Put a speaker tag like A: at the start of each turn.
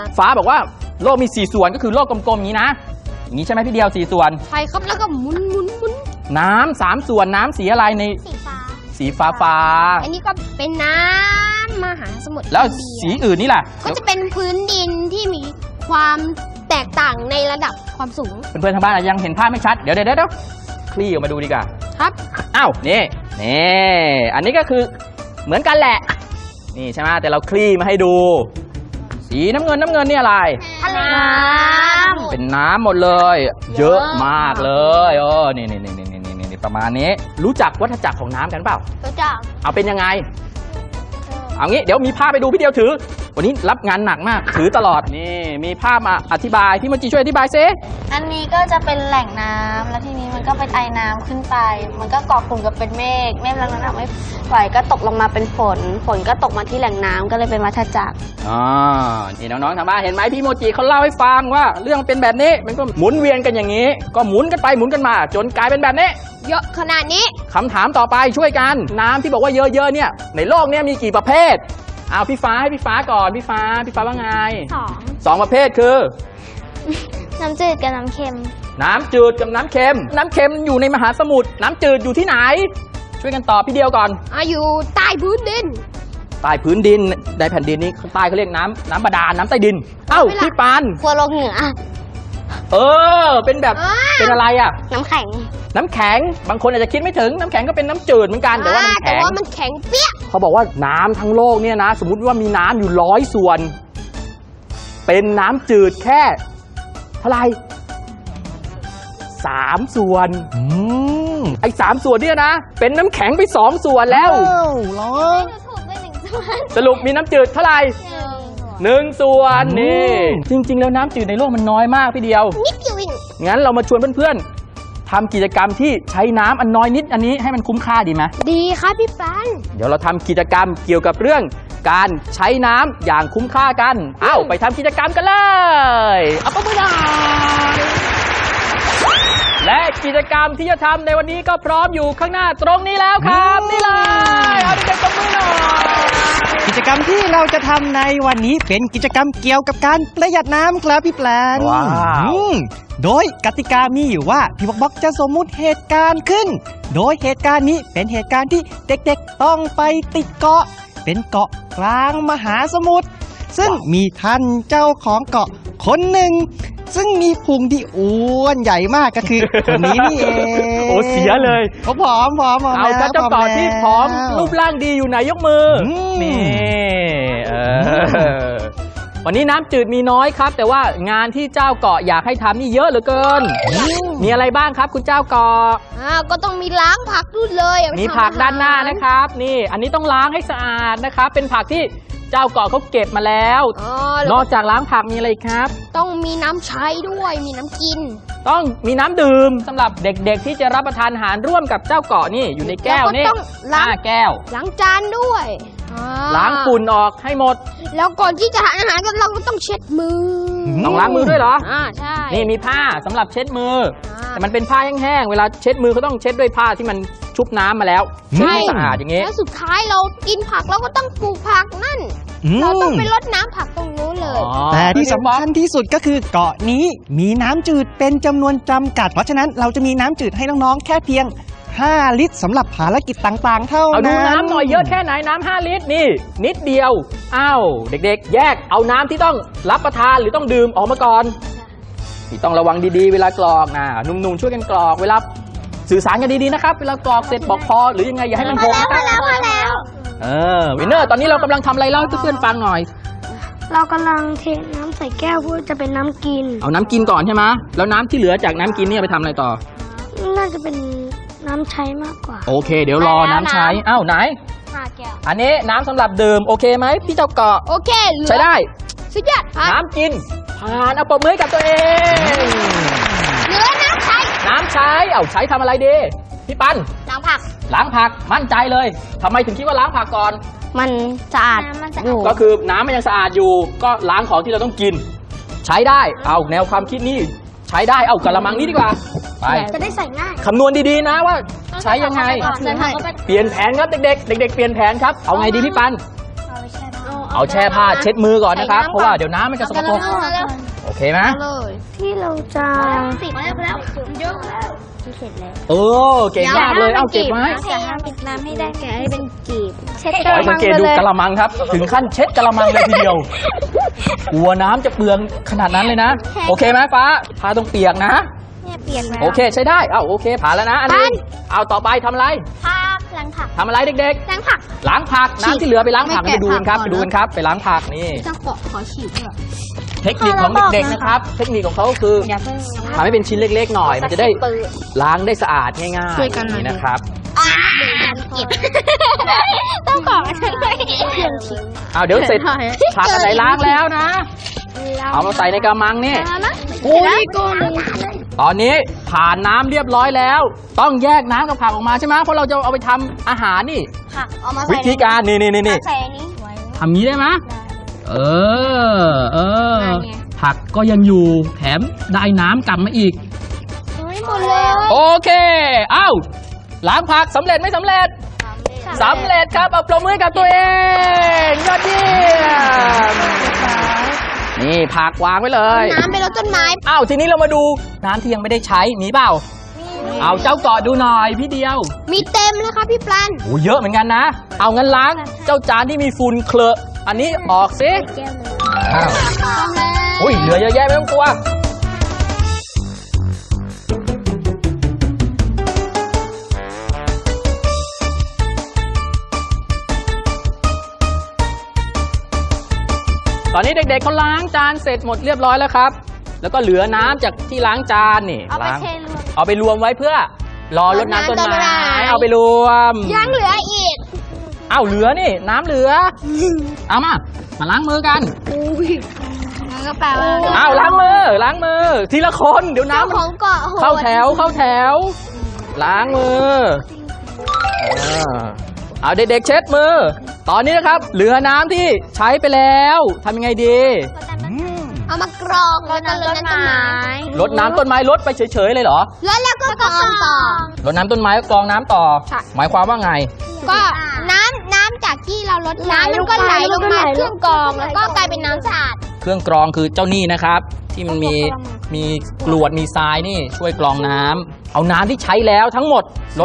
A: ฟ้าบอกว่าโลกมี4ส่วนก็คือโลกกลมๆอย่างนี้นะอย่างนี้ใช่ไหมพี่เดียว4ส่วน
B: ใช่ครับแล้วก็หมุน
A: น้ำ3ส่วนน้ำสีอะไรในสีฟ้า
B: อันนี้ก็เป็นน้ำมหาสมุทร
A: แล้วสีอื่นนี่ล่ะ
B: ก็จะเป็นพื้นดินที่มีความแตกต่างในระดับความสูง
A: เพื่อนๆทางบ้านยังเห็นภาพไม่ชัดเดี๋ยวคลี่ออกมาดูดีกว่า
B: ครับ
A: อ้าวนี่อันนี้ก็คือเหมือนกันแหละนี่ใช่ไหมแต่เราคลี่มาให้ดูสีน้ำเงินนี่อะไร
B: ทะเลน้ำ
A: เป็นน้ำหมดเลยเยอะมากเลยนี่ประมาณนี้รู้จักวัฏจักรของน้ำกันเปล่า
B: รู้จัก
A: เอาเป็นยังไงเอางี้เดี๋ยวมีภาพไปดูพี่เดียวถือวันนี้รับงานหนักมากถือตลอดนี่มีภาพมาอธิบายพี่โมจิช่วยอธิบายซิ
C: อันนี้ก็จะเป็นแหล่งน้ำแล้วทีนี้มันก็เป็นไอน้ำขึ้นไปมันก็ก่อกลุ่มกับเป็นเมฆแล้วน้ำไม่ไหวก็ตกลงมาเป็นฝนก็ตกมาที่แหล่งน้ำก็เลยเป็นวัฏจักร
A: นี่น้องๆทางบ้านเห็นไหมพี่โมจิเขาเล่าให้ฟังว่าเรื่องเป็นแบบนี้มันก็หมุนเวียนกันอย่างนี้ก็หมุนกันไปหมุนกันมาจนกลายเป็นแบบนี้
B: เยอะขนาดนี้
A: คำถามต่อไปช่วยกันน้ำที่บอกว่าเยอะๆเนี่ยในโลกนี้มีกี่ประเภทเอาพี่ฟ้าให้พี่ฟ้าก่อนพี่ฟ้าว่าไง2ประเภทคือ
C: น้ำจืดกับน้ำเค็ม
A: น้ำจืดกับน้ำเค็มอยู่ในมหาสมุทรน้ำจืดอยู่ที่ไหนช่วยกันตอบพี่เดียวก่อน
B: อยู่ใต้พื้นดิน
A: ในแผ่นดินนี้ใต้เขาเรียกน้ำบาดาลน้ำใต้ดินเอ้าพี่ปาน
C: ขั้วโลกเหนือ
A: เป็นแบบเป็นอะไร
C: น้ำแข็ง
A: บางคนอาจจะคิดไม่ถึงน้ำแข็งก็เป็นน้ำจืดเหมือนกันแต่ว่า
B: มันแข็งเปี้ย
A: เขาบอกว่าน้ำทั้งโลกเนี่ยนะสมมุติว่ามีน้ำอยู่100ส่วนเป็นน้ำจืดแค่เท่าไหร่3ส่วนไอ้3ส่วนเนี่ยนะเป็นน้ำแข็งไป2ส่วนแล้วสรุปมีน้ำจืดเท่าไหร่1ส่วนนี่จริงๆแล้วน้ำจืดในโลกมันน้อยมากพี่เดียว
B: นิดเดียวเอง
A: งั้นเรามาชวนเพื่อนๆทำกิจกรรมที่ใช้น้ำอันน้อยนิดอันนี้ให้มันคุ้มค่าดีไหม
B: ดีครับพี่ปัน
A: เดี๋ยวเราทำกิจกรรมเกี่ยวกับเรื่องการใช้น้ำอย่างคุ้มค่ากันไปทำกิจกรรมกันเลยเอาปุ๊บเลยและกิจกรรมที่จะทำในวันนี้ก็พร้อมอยู่ข้างหน้าตรงนี้แล้วครับนี่เลยเอาเด็กๆตบมือหน่อย
D: กิจกรรมที่เราจะทำในวันนี้เป็นกิจกรรมเกี่ยวกับการประหยัดน้ำครับพี่แปลนโดยกติกามีอยู่ว่าพี่บ็อกจะสมมุติเหตุการณ์ขึ้นโดยเหตุการณ์นี้เป็นเหตุการณ์ที่เด็กๆต้องไปติดเกาะเป็นเกาะกลางมหาสมุทรซึ่งมีท่านเจ้าของเกาะคนหนึ่งซึ่งมีพุงที่อ้วนใหญ่มากก็คือคนนี้นี่เอง
A: โอ้เสียเลย
D: ผอม
A: เอาเจ้าเกาะที่ผอมรูปร่างดีอยู่ไหนยกมือนี่วันนี้น้ำจืดมีน้อยครับแต่ว่างานที่เจ้าเกาะอยากให้ทำนี่เยอะเหลือเกินมีอะไรบ้างครับคุณเจ้าเกาะ
B: ก็ต้องมีล้างผักด้วยเลย
A: มีผักด้านหน้านะครับนี่อันนี้ต้องล้างให้สะอาดนะครับเป็นผักที่เจ้าเกาะเขาเก็บมาแล้วนอกจากล้างผักมีอะไรครับ
B: ต้องมีน้ำใช้ด้วยมีน้ำกิน
A: ต้องมีน้ำดื่มสำหรับเด็กๆที่จะรับประทานอาหารร่วมกับเจ้าเกาะนี่อยู่ในแก้วนี่
B: ต้องล้าง
A: แก้ว
B: ล้างจานด้วย
A: ล้างฝุ่นออกให้หมด
B: แล้วก่อนที่จะทานอาหารเราก็ต้องเช็ดมือ
A: ต้องล้างมือด้วยเหรอ
B: ใช่
A: นี่มีผ้าสำหรับเช็ดมือแต่มันเป็นผ้าแห้งๆเวลาเช็ดมือเขาต้องเช็ดด้วยผ้าที่มันชุบน้ำมาแล้วเช็ดให้สะอาดอย่างงี้
B: แล้วสุดท้ายเรากินผักเราก็ต้องปลูกผักนั่นเราต้องไปรดน้ำผักตรงนู้นเลย
D: แต่ที่สำคัญที่สุดก็คือเกาะนี้มีน้ำจืดเป็นจำนวนจำกัดเพราะฉะนั้นเราจะมีน้ำจืดให้น้องๆแค่เพียง5 ลิตรสำหรับภารกิจต่างๆเท่านั้น
A: เอาดูน้ำหน่อยเยอะแค่ไหนน้ำ5 ลิตรนี่นิดเดียวเด็กๆแยกเอาน้ำที่ต้องรับประทานหรือต้องดื่มออกมาก่อนนี่ต้องระวังดีๆเวลากรอกนะหนุ่มๆช่วยกันกรอกเวลาสื่อสารกันดีๆนะครับเวลากรอกเสร็จบอกพอหรือยังไงอย่าให้มันหกนะครับ
B: พอแล้ว
A: วินเนอร์ตอนนี้เรากำลังทำอะไรเล่าให้เพื่อนๆฟังหน่อย
C: เรากำลังเทน้ำใส่แก้วเพื่อจะเป็นน้ำกิน
A: เอาน้ำกินก่อนใช่ไหมแล้วน้ำที่เหลือจากน้ำกินนี่ไปทำอะไรต่อ
C: น่าจะเป็นน้ำใช้มากกว่า
A: โอเคเดี๋ยวรอน้ำใช้ไหน
C: แก้ว
A: อันนี้น้ำสำหรับดื่มโอเคไหมพี่เจ้าเกาะ
B: โอเค
A: ใช้ได้
B: สุดยอด
A: น้ำกินผ่านเอาปมมือกับตัวเอง
B: เหลือน้ำใช้
A: ใช้ทำอะไรดีพี่ปัน
B: ล้างผัก
A: มั่นใจเลยทำไมถึงคิดว่าล้างผักก่อน
C: มันสะอาด
A: อยู่ก็คือน้ำมันยังสะอาดอยู่ก็ล้างของที่เราต้องกินใช้ได้เอาแนวความคิดนี้ใช้ได้เอากระมังนี้ดีกว่าไป
B: จะได้ใส่ง่าย
A: คำนวณดีๆนะว่าใช้ยังไงเปลี่ยนแผนครับเด็กๆเปลี่ยนแผนครับเอาไงดีพี่ปันเอาแช่ผ้าเช็ดมือก่อนนะครับ เพราะว่าเดี๋ยวน้ำมันจะสกปรก
B: มาแล้ว
A: โอเคไหม
B: เลย
C: ที่เราจะ
B: ติดมาแล้วเยอะแล้ว
C: เสร็จแล้ว
A: เออเก่งมากเลยเอาเก็บไว้
C: แกะให้ปิดน้ำให้ได้แกะให้เป็นกีบเช็ด
A: ขอให้สังเกตดูกระมังครับ ถึงขั้นเช็ดกระมังเลยทีเดียวกลัวน้ำจะเปลืองขนาดนั้นเลยนะ โอเคไหมฟ้าผ้าต้องเปียกนะ
C: เนี่ยเปลี่ยนแล้ว
A: โอเคใช้ได้โอเคผ่านแล้วนะอันนี้เอาต่อไปทำอะไร
C: ผักล้างผัก
A: ทำอะไรเด็ก
C: ล้างผัก
A: ๆล้างผักน้ำที่เหลือไปล้างผัก
B: ไม่
A: ไป
B: แกะ
A: ดูกันครับ
B: ผักก่อน
A: ไปดูกันครับไปล้างผักนี่
B: จะขอฉีดด้วย
A: เทคนิคของเด็กๆนะครับ เทคนิคของเขาคือ
C: อย่าเพิ่ง
A: ทำให้เป็นชิ้นเล็กๆหน่อย มันจะได้
C: ปืน
A: ล้างได้สะอาดง่ายๆ
B: ช่วยกันหน่อย
A: นะครับ
C: เก็บต้องของฉันเลยเครื่องคิง
A: เอาเดี๋ยวเสร็จผักอันไหนล้างแล้วนะ เอามาใส่ในกระมังนี่อุ้ยตอนนี้ผ่านน้ำเรียบร้อยแล้ว ต้องแยกน้ำกับผักออกมาใช่ไหมเพราะเราจะเอาไปทำอาหารนี่
C: ผักเอามา
A: วิ
C: ใส่
A: ธีการนี่
C: ใส่อันนี้ไว้
A: ทำงี้ได้ไหมเออ
C: ได้ไง
A: ผักก็ยังอยู่แถมได้น้ำกลับมาอีก
C: ไม่หมดเลย
A: โอเค เอ้าล้างผักสำเร็จไม่สำเร็จสำเร็จครับเอาปรบมือให้กับตัวเองยอดเยี่ยมนี่ผักวางไว้เลย
B: น้ำไปรดต้นไม้
A: อ้าวทีนี้เรามาดูน้ำที่ยังไม่ได้ใช้มีเปล่า เอาเจ้าเกาะดูหน่อยพี่เดียว
B: มีเต็มเลยครับพี่ปลัน
A: โอ้เยอะเหมือนกันนะ เอางั้นล้างเจ้าจานที่มีฝุ่นเคลอะอันนี้ออกซิอ้าวอุ้ยเหลือเยอะแยะไม่ต้องกลัวตอนนี้เด็กๆเขาล้างจานเสร็จหมดเรียบร้อยแล้วครับ แล้วก็เหลือน้ำจากที่ล้างจานนี่
C: เอาไป
A: ล้าง
C: เทรวม
A: เอาไปรวมไว้เพื่อรอรดน้ำต้นไม้เอาไปรวม
B: ยังเหลืออีก
A: เอาเหลือนี่น้ำเหลือ เอามาล้างมือกัน
C: มันก็แปลว่า
A: เอาล้างมือทีละคนเดี๋ยวน้ำ
B: เจ้า
A: มัน
B: ของเกาะโหด
A: เข้าแถวล้างมือเอาเด็กๆเช็ดมือ ตอนนี้นะครับ เหลือน้ำที่ใช้ไปแล้วทำยังไงดี
B: เอามากรองแล้วก็รดน้ำต้นไม้
A: รดน้ำต้นไม้รดไปเฉยๆเลยเหรอ
B: แล้วก็กรองต่อ
A: รดน้ำต้นไม้กรองน้ำต่อ
B: ใช่
A: หมายความว่าไง
B: ก็น้ำจากที่เราลดน้ำมันก็ไหลลงมาเครื่องกรองแล้วก็กลายเป็นน้ำสะอาด
A: เครื่องกรองคือเจ้านี่นะครับ ที่มันมีกรวดมีทรายนี่ช่วยกรองน้ำเอาน้ำที่ใช้แล้วทั้งหมด